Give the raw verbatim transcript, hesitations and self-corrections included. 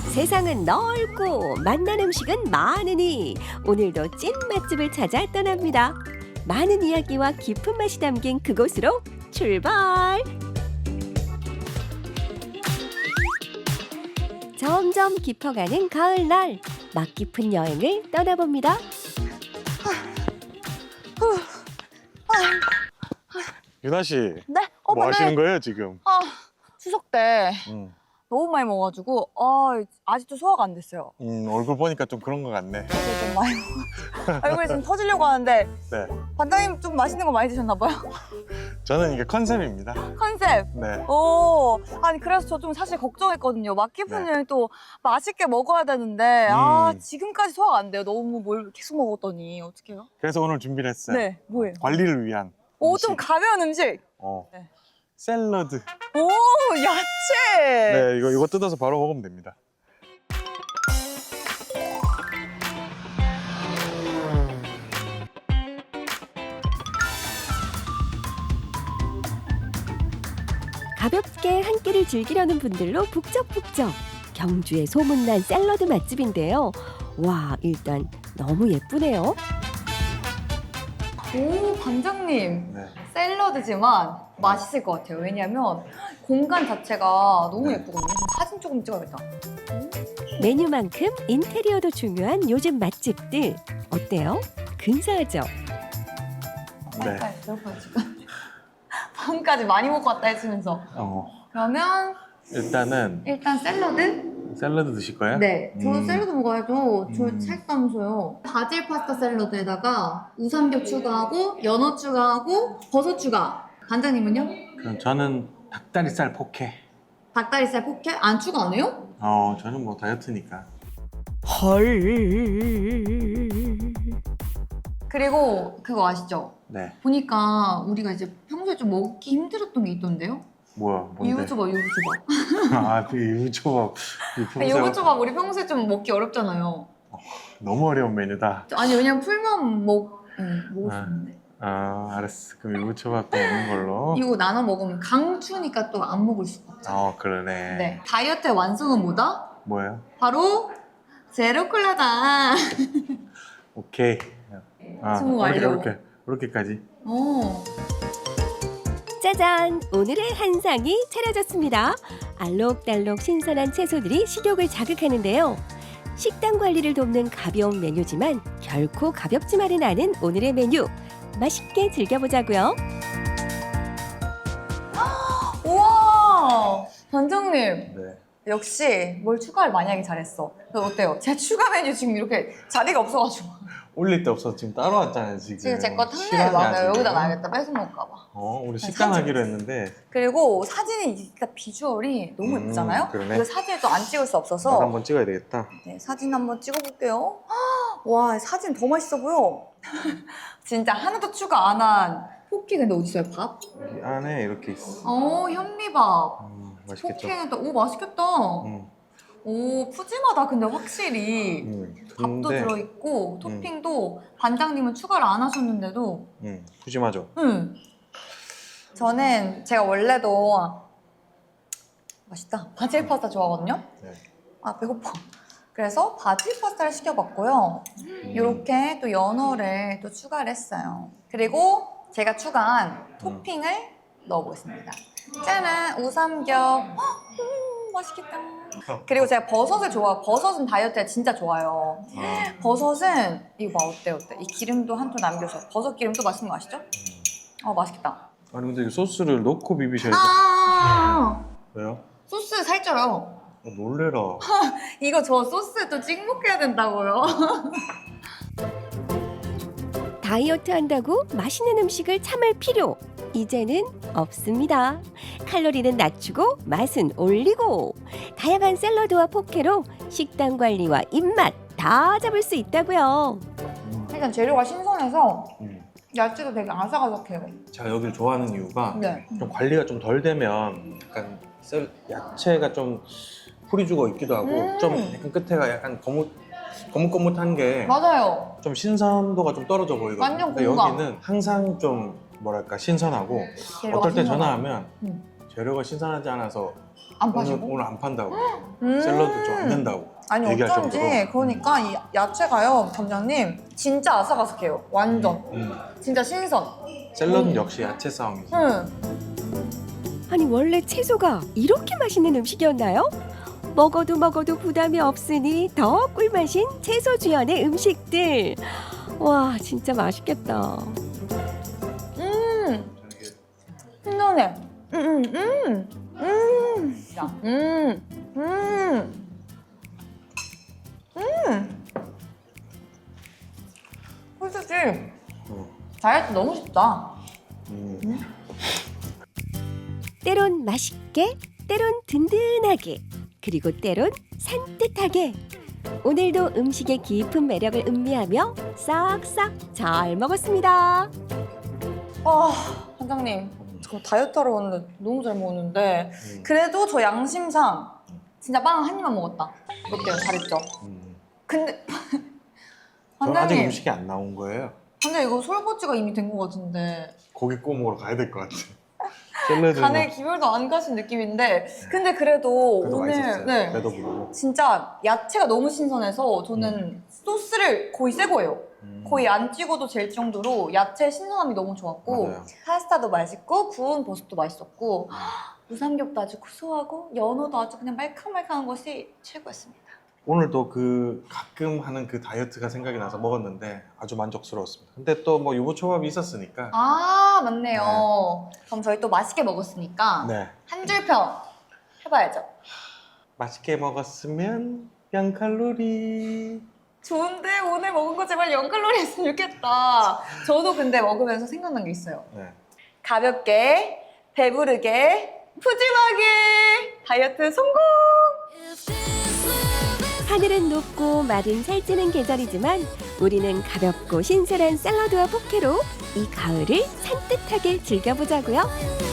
세상은 넓고 맛난 음식은 많으니 오늘도 찐 맛집을 찾아 떠납니다. 많은 이야기와 깊은 맛이 담긴 그곳으로 출발! 점점 깊어가는 가을날, 맛 깊은 여행을 떠나봅니다. 유나 씨, 네? 어, 뭐 네. 하시는 거예요 지금? 아, 추석 때 음, 너무 많이 먹어가지고 아, 아직도 소화가 안 됐어요. 음, 얼굴 보니까 좀 그런 것 같네. 그래서 좀 많이 먹... 얼굴이 좀 터지려고 하는데 네, 반장님 좀 맛있는 거 많이 드셨나 봐요? 저는 이게 컨셉입니다. 컨셉! 네, 오, 아니 그래서 저 좀 사실 걱정했거든요. 맛 깊은 네. 여행 또 맛있게 먹어야 되는데 아, 음. 지금까지 소화가 안 돼요. 너무 뭘 계속 먹었더니 어떡해요? 그래서 오늘 준비를 했어요. 네, 뭐예요? 관리를 위한 오, 음식. 좀 가벼운 음식! 어, 네. 샐러드. 오, 야채! 네, 이거 이거 뜯어서 바로 먹으면 됩니다. 가볍게 한 끼를 즐기려는 분들로 북적북적. 경주의 소문난 샐러드 맛집인데요. 와, 일단 너무 예쁘네요. 오, 반장님! 네, 샐러드지만 맛있을 것 같아요. 왜냐면 공간 자체가 너무 네. 예쁘거든요. 좀 사진 조금 찍어야겠다. 메뉴만큼 인테리어도 중요한 요즘 맛집들. 어때요? 근사하죠? 네. 빨리빨리 배고파요 지금. 밤까지 많이 먹고 왔다 했으면서. 어, 그러면 일단은 일단 샐러드? 샐러드 드실 거예요? 네. 저 음. 샐러드 먹어야죠. 저 음. 살싸면서요. 바질 파스타 샐러드에다가 우삼겹 추가하고 연어 추가하고 버섯 추가. 반장님은요? 그럼 저는 닭다리살 포케. 닭다리살 포케? 안 추가 안 해요? 어, 저는 뭐 다이어트니까. 헐. 그리고 그거 아시죠? 네, 보니까 우리가 이제 평소에 좀 먹기 힘들었던 게 있던데요? 뭐야, 뭔데? 유부초밥, 유부초밥. 아, 그 유부초밥. 이 평소에 유부초밥 우리 평소에 좀 먹기 어렵잖아요. 너무 어려운 메뉴다. 아니 왜냐면 풀만 먹, 응, 먹을 수 아. 있는데. 아, 알았어. 그럼 유부초밥도 먹는 걸로. 이거 나눠 먹으면 강추니까 또 안 먹을 수가 없죠. 어, 그러네. 네. 다이어트의 완성은 뭐다? 뭐예요? 바로 제로콜라다. 오케이. 아, 스무 이렇게, 완료. 이렇게, 이렇게까지. 오. 짜잔! 오늘의 한상이 차려졌습니다. 알록달록 신선한 채소들이 식욕을 자극하는데요. 식단 관리를 돕는 가벼운 메뉴지만 결코 가볍지만은 않은 오늘의 메뉴. 맛있게 즐겨보자고요. 우와. 반장님. 네. 역시 뭘 추가를 많이 하기 잘했어. 그래서 어때요? 제 추가 메뉴 지금 이렇게 자리가 없어가지고. 올릴 데 없어서 지금 따로 왔잖아요, 지금. 지금 제 거 탐내요. 실화냐, 맞아요. 지금? 여기다 놔야겠다. 뺏어 먹을까 봐. 어, 우리 사진 식단 하기로 했는데. 그리고 사진이 일단 비주얼이 너무 음, 예쁘잖아요? 그러네. 이거 사진을 또 안 찍을 수 나도 없어서 한번 찍어야 되겠다. 네, 사진 한번 찍어볼게요. 와, 사진 더 맛있어 보여. 진짜 하나도 추가 안 한 포키. 근데 어디 있어요? 밥? 여기 안에 이렇게 있어. 어, 현미밥. 음, 맛있겠죠? 포키는 또, 오, 맛있겠다. 음, 오, 푸짐하다. 근데 확실히 음. 밥도 근데, 들어있고 토핑도 반장님은 추가를 안 하셨는데도 음, 푸짐하죠? 응. 저는 제가 원래도 맛있다. 바질 파스타 좋아하거든요. 네. 아, 배고파. 그래서 바질 파스타를 시켜봤고요. 음. 이렇게 또 연어를 또 추가를 했어요. 그리고 제가 추가한 토핑을 넣어보겠습니다. 짜란! 우삼겹. 헉, 음, 맛있겠다. 그리고 제가 버섯을 좋아. 버섯은 다이어트에 진짜 좋아요. 아, 버섯은 이거 봐, 어때 어때? 이 기름도 한 톨 남겨서 버섯 기름도 맛있는 거 아시죠? 어, 맛있겠다. 아니, 근데 이 소스를 넣고 비비셔야죠. 아, 왜요? 소스 살쪄요. 어, 놀래라. 이거 저 소스 또 찍먹해야 된다고요. 다이어트 한다고 맛있는 음식을 참을 필요 이제는 없습니다. 칼로리는 낮추고 맛은 올리고 다양한 샐러드와 포케로 식단 관리와 입맛 다 잡을 수 있다고요. 음, 일단 재료가 신선해서 음. 야채도 되게 아삭아삭해요. 제가 여기를 좋아하는 이유가 네. 좀 관리가 좀 덜 되면 약간 셀, 야채가 좀 풀이 죽어 있기도 하고 음. 좀 약간 끝에가 약간 거뭇 거뭇거뭇한 게 좀 맞아요. 신선도가 좀 떨어져 보이거든요. 완전 근데 공감. 여기는 항상 좀 뭐랄까 신선하고 재료가 어떨 때 신선하고. 전화하면 음. 재료가 신선하지 않아서 안 오늘, 파시고? 오늘 안 판다고. 음. 샐러드 좀 안 된다고. 아니 얘기할 어쩐지 정도로. 그러니까 이 야채가요 점장님 진짜 아삭아삭해요. 완전 음. 진짜 신선. 샐러드는 음. 역시 야채 싸움이지. 응. 아니 원래 채소가 이렇게 맛있는 음식이었나요? 먹어도 먹어도 부담이 없으니 더 꿀맛인 채소 주연의 음식들. 와 진짜 맛있겠다. 음 이게 신선해. 음음음 음. 음. 음. 음. 음. 솔직히 어. 다이어트 너무 쉽다. 음. 때론 맛있게, 때론 든든하게, 그리고 때론 산뜻하게. 오늘도 음식의 깊은 매력을 음미하며 싹싹 잘 먹었습니다. 아 원장님 저 다이어트 하러 왔는데 너무 잘 먹었는데 음. 그래도 저 양심상 진짜 빵 한 입만 먹었다. 어때요? 잘했죠? 음. 근데 저는 아직 원장님 음식이 안 나온 거예요. 근데 이거 솔고지가 이미 된 것 같은데 고기 구워 먹으러 가야 될 것 같아. 샐러드는 간에 기별도 안 가신 느낌인데 근데 그래도 그래도 오늘 맛있었어요. 네 배도 부르고. 진짜 야채가 너무 신선해서 저는 소스를 거의 새 거예요. 음. 거의 안 찍어도 될 정도로 야채 신선함이 너무 좋았고 맞아요. 파스타도 맛있고 구운 버섯도 맛있었고 우삼겹도 아주 구수하고 연어도 아주 그냥 말캉말캉한 것이 최고였습니다. 오늘도 그 가끔 하는 그 다이어트가 생각이 나서 먹었는데 아주 만족스러웠습니다. 근데 또 뭐 유부초밥이 있었으니까. 아 맞네요. 그럼 저희 또 맛있게 먹었으니까 네. 한 줄 평 해봐야죠. 맛있게 먹었으면 영 칼로리. 좋은데 오늘 먹은 거 제발 영 칼로리 했으면 좋겠다. 저도 근데 먹으면서 생각난 게 있어요. 네. 가볍게 배부르게 푸짐하게 다이어트 성공! 하늘은 높고 말은 살찌는 계절이지만 우리는 가볍고 신선한 샐러드와 포케로 이 가을을 산뜻하게 즐겨보자고요.